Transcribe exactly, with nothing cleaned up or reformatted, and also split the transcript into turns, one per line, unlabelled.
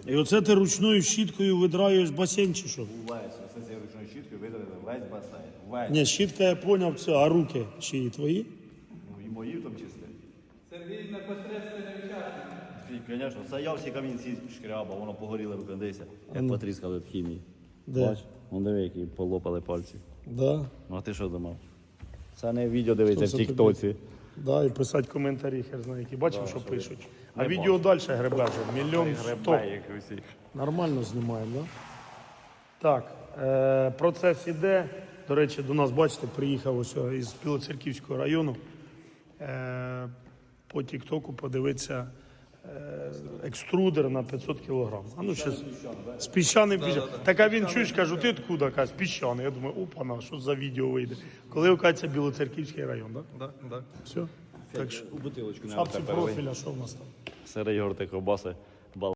І оце ти ручною щіткою видраюєш басейн чи що?
Весь, оце цією ручною щіткою видавили весь басейн. Весь.
Ні, щітка я поняв, це, а руки чиї твої?
Ну і мої в тому числі. Сергій непосредственний учасник. Звісно, це я всі камінці шкрябав, воно погоріло руки, дивися. Як потріскали від хімії.
Де?
Бач, вон диви, які полопали пальці.
Да.
Ну а ти що думав? Це не відео дивиться в
Що це
тіктоці.
Да, і писати коментарі, хер знає які. Бачив,
Да,
що
що
пишуть.
не
А відео далі гребе вже, мільйон сто.
Гребе, як усі.
Нормально знімаємо, да? Так, е, процес іде. До речі, до нас, бачите, приїхав ось із Білоцерківського району. Е, по тіктоку подивитися е, екструдер на п'ятсот кілограм. А ну, щас, з піщаним піщаним. Так, а він чуєш, кажу, ти откуда? Каже, з піщаний. Я думаю, опана, що за відео вийде. Коли оказується Білоцерківський район, так?
Да, да.
Все? Так що,
У бутилочку
в шапці профіля, що в нас там?
Сири йогурти, ковбаси.